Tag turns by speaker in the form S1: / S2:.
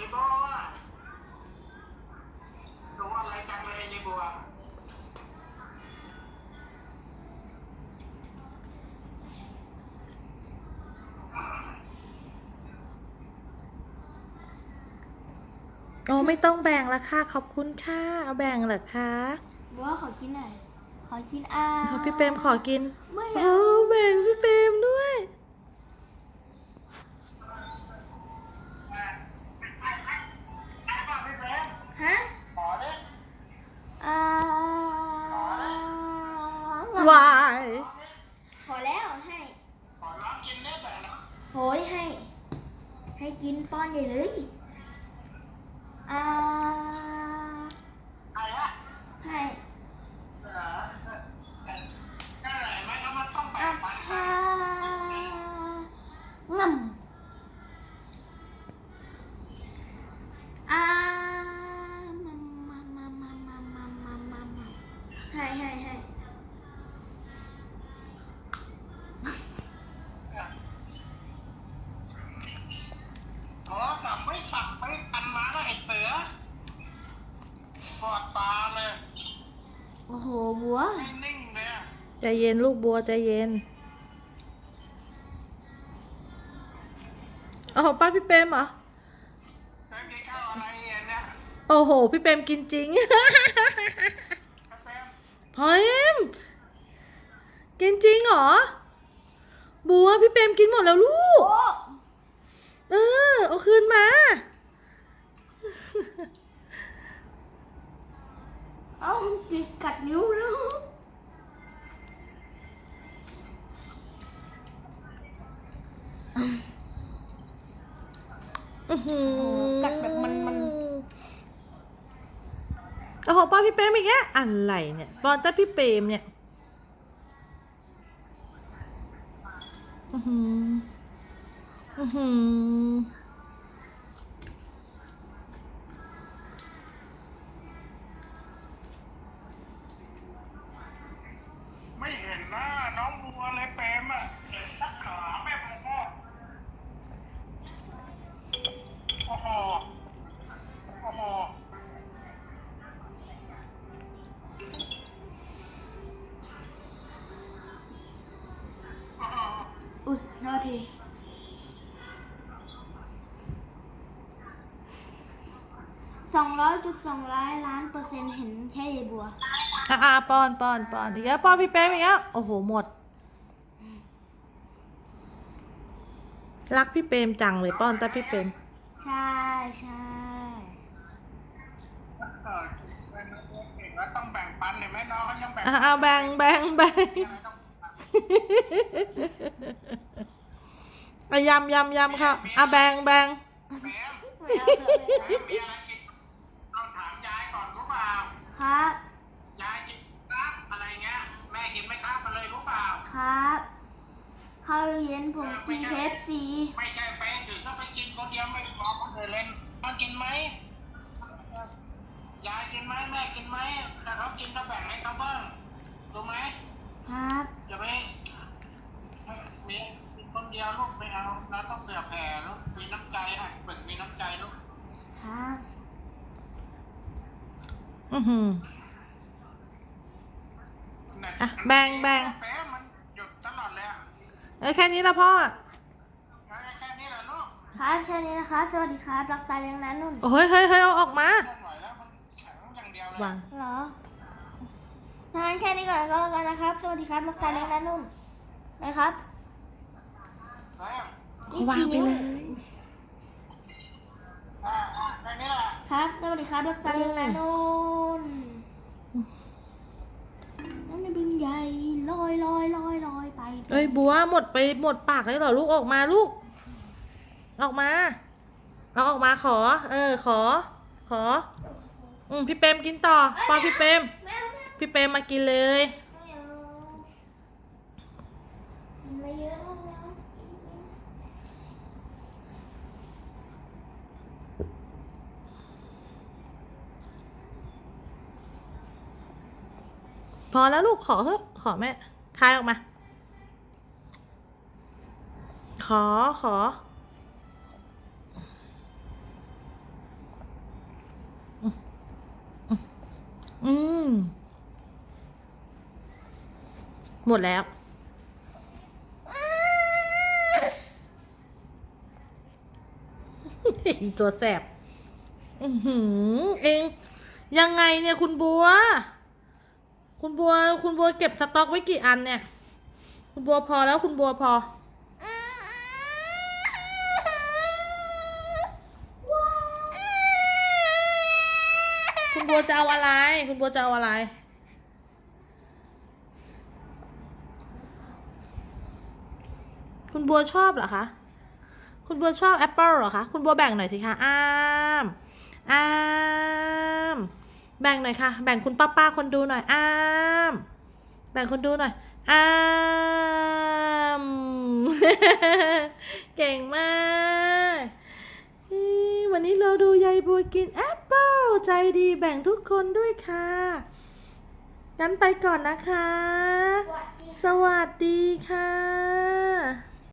S1: ก็รู้อะไรจังเลยยายบัว
S2: โอ้ไม่ต้องแบ่งละค่ะขอบคุณค่ะเอาแบ่งเหรอคะ
S3: บัวขอกินหน่อยขอกิน
S2: พอพี่เปรมขอกิน
S3: ไม่
S2: โอ้แบ่งพี่เปรมด้วย
S3: ฮะ
S1: ขอดิ
S2: วาย
S3: พอแล้วให้
S1: ขอร้องกินได้แบบนั้น
S3: โหยให้กินป้อนใหญ่เลย
S1: อะไรอะ
S3: ให้
S1: เหรอได้ไหมแล้วมันต้องแบ่งปันกัน
S3: งำให้
S1: อ๋อสั่งไม่ปันมาแล้วไอ้เสือปอดตาเลย
S3: โอ้โหบัว
S1: ไม่นิ่งเลยอะ
S2: ใจเย็นลูกบัวใจเย็นโอ้โหป้าพี่เปรมเหรอ
S1: แล้วกินข้าวอะไรเนี่ย
S2: โอ้โหพี่เปรมกินจริง
S1: แป๊บ
S2: พอเอ็มกินจริงเหรอบัวพี่เปรมกินหมดแล้วลูกเอาคืนมา
S3: เอาติดกัดนิ้วแล้วกัดแบบมัน
S2: โอ้โหป้อนพี่เปรมอีกแล้วอะไรเนี่ยป้อนแต่พี่เปรมเนี่ย
S1: ไม่เห็นหน้าน้องบัวเลยเปรมอ่ะเห็นตะขาแม่บัวโอ้โหโอ้โห
S3: อุ้ยโทษที200.200 ล้าน% เห็นแค่ยายบัว
S2: ป้อนอีกแล้วป้อนพี่เปรมอีกแล้วโอ้โหหมดรักพี่เปรมจังเลยป้อนแต่พี่เปรม
S3: ใช่
S1: เออเก่งแล้วต้องแบ่งปันเห็นไหมน้องเขายังแบ่ง
S2: แบ่ง
S1: มีอะไรต้อง
S2: ยำค่ะแบ่ง
S1: แหม
S3: ไม่เอาเถอะ
S1: มีอะไรกินต้องถามยายก่อนรู้เปล่า
S3: ครับ
S1: ยายกินครับอะไรเงี้ยแม่กินไม่ครับมาเลยรู้เปล่า
S3: ครับข้าวเย็นผมกิน KFC
S1: ไม่ใช่ไปถึงก็ไปกินคนเดียวไม่รอคนอื่นเล่นมันกินไหมยายกินไหมแม่กินไหมถ้าเขากินก็แบ่งให้เขาบ้างรู้ไหม
S3: ครับ
S1: อย่าไปมีคนเดียวลูกไม่เอาเราต้องเผื่อแผ่ลูกมีน้ำใจฝึกมีน้ำใจลูก
S3: ครับ
S2: แบ่ง
S1: แป๊ะมันหยุดตลอดเลย
S2: แค่นี้ละพ่อ
S1: แค่นี้แหละลูก
S3: ครับแค่นี้นะคะสวัสดีครับรักตาเลี้ยงนั้นนุ่น
S2: เฮ้ยเอาออกมา
S1: เคลื่อนไหวแล้วมันแข็งอย่างเดียวเลย
S3: เหรองั้นแค่นี้ก่อนก็แล้วกันนะครับสวัสดีครับรักตาเลี้ยงนั้นนุ่นนะครับ
S2: วางไปเลย
S1: แค่นี้แหละ
S3: ครับสวัสดีครับรักตาเลี้ยงนั้นนุ่นนั่นในบึงใหญ่ลอยไป
S2: เอ้ยบัวหมดปากเลยเหรอลูกออกมาลูกออกมาเอาออกมาขอขอพี่เปรมกินต่อป้อนพี่เปรมมากินเลย
S3: ไม่เยอะ
S2: พอแล้วลูกขอเถอะขอแม่คายออกมาขอหมดแล้ว ตัวแสบเองยังไงเนี่ยคุณบัว คุณบัวเก็บสต็อกไว้กี่อันเนี่ย คุณบัวพอแล้วคุณบัวพอ คุณบัวจะเอาอะไร คุณบัวจะเอาอะไร คุณบัวชอบเหรอคะ คุณบัวชอบแอปเปิลเหรอคะ คุณบัวแบ่งหน่อยสิคะอ้ามแบ่งหน่อยค่ะ แบ่งคุณป้าคนดูหน่อยอ้ามแบ่งคนดูหน่อยอ้าม เก่งมากวันนี้เราดูยายบัวกินแอปเปิลใจดีแบ่งทุกคนด้วยค่ะงั้นไปก่อนนะคะ สวัสดีค่ะ